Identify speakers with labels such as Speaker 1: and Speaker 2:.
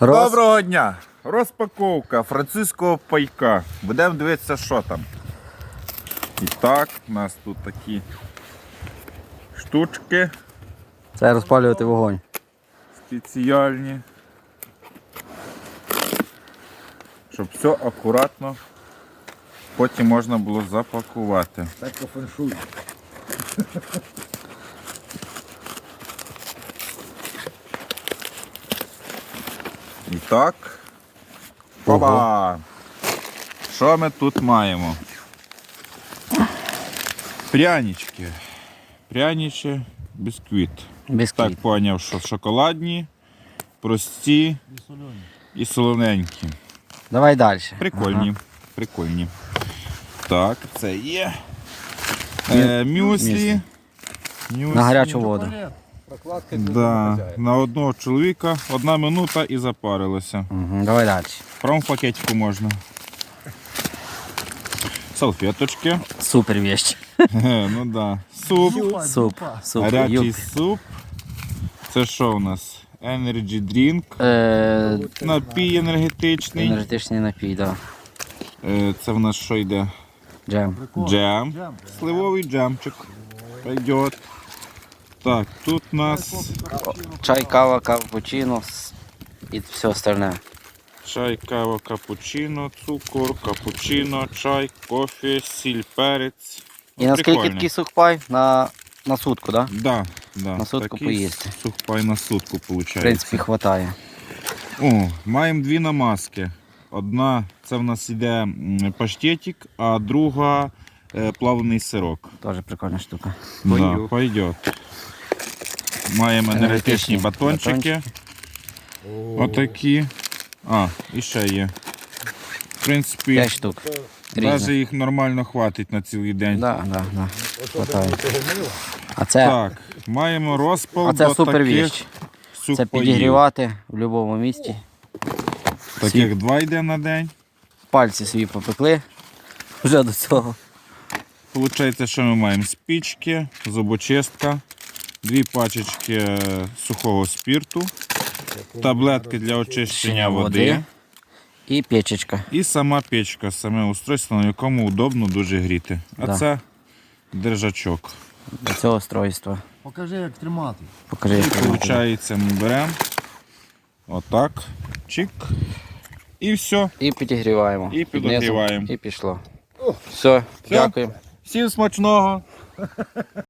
Speaker 1: Доброго дня! Розпаковка французького пайка. Будемо дивитися, що там. І так, у нас тут такі штучки
Speaker 2: Це розпалювати вогонь.
Speaker 1: спеціальні. Щоб все акуратно потім можна було запакувати.
Speaker 3: Так по феншую.
Speaker 1: І так. Опа! Що ми тут маємо? Прянички. Пряничі, бісквіт.
Speaker 2: Бісквіт.
Speaker 1: Так поняв, що шоколадні, прості і солоненькі.
Speaker 2: Давай далі.
Speaker 1: Прикольні. Прикольні. Так, це є. Мюслі.
Speaker 2: На гарячу воду.
Speaker 3: Прокладка
Speaker 1: Да. На одного чоловіка 1 минута і запарилося.
Speaker 2: Угу. Давай далі.
Speaker 1: Прямо в пакетику можна. Салфеточки.
Speaker 2: Супер вещь.
Speaker 1: Ну да. Суп.
Speaker 2: Суп. Суп.
Speaker 1: Гарячий
Speaker 2: Юп.
Speaker 1: суп. Це що у нас? Energy drink. Напій енергетичний.
Speaker 2: Енергетичний напій, да.
Speaker 1: Це в нас що йде?
Speaker 2: Джем.
Speaker 1: Джем. Сливовий джемчик. Пойдет. Так, тут у нас
Speaker 2: Чай, кава, капучино і все остальне.
Speaker 1: чай, кава, капучино, цукор, капучино, чай, кофе, сіль, перець.
Speaker 2: І наскільки такий сухпай? На сутку, так? Да?
Speaker 1: Да.
Speaker 2: На сутку
Speaker 1: такий
Speaker 2: поїсти.
Speaker 1: Сухпай на сутку виходить.
Speaker 2: В принципі, хватає.
Speaker 1: О, маємо 2 намазки. Одна це в нас іде паштетик, а друга плавлений сирок.
Speaker 2: Теж прикольна штука.
Speaker 1: Да, пойдет. Маємо енергетичні батончики. Отакі. А, і ще є. В принципі,
Speaker 2: 5 штук.
Speaker 1: навіть
Speaker 2: Різних.
Speaker 1: їх нормально хватить на цілий день.
Speaker 2: Да. Хватає. А це,
Speaker 1: Так, маємо розпал до
Speaker 2: супер
Speaker 1: таких
Speaker 2: вещь. Це
Speaker 1: сухпаїв.
Speaker 2: підігрівати в будь-якому місці.
Speaker 1: Таких 2 йде на день.
Speaker 2: Пальці свої попекли вже до цього.
Speaker 1: Получається, що ми маємо спічки, зубочистка, 2 пачечки сухого спірту, таблетки для очищення води
Speaker 2: І печечка.
Speaker 1: і сама печка, саме устройство, на якому удобно дуже гріти. А
Speaker 2: Да.
Speaker 1: це держачок.
Speaker 2: До цього устройства.
Speaker 3: Покажи, як тримати.
Speaker 2: Покажи,
Speaker 1: І
Speaker 2: як тримати.
Speaker 1: виходить, ми беремо отак, чик, і все.
Speaker 2: І підігріваємо.
Speaker 1: І
Speaker 2: Під низом.
Speaker 1: підігріваємо.
Speaker 2: І пішло. Все, дякуємо.
Speaker 1: Всім смачного!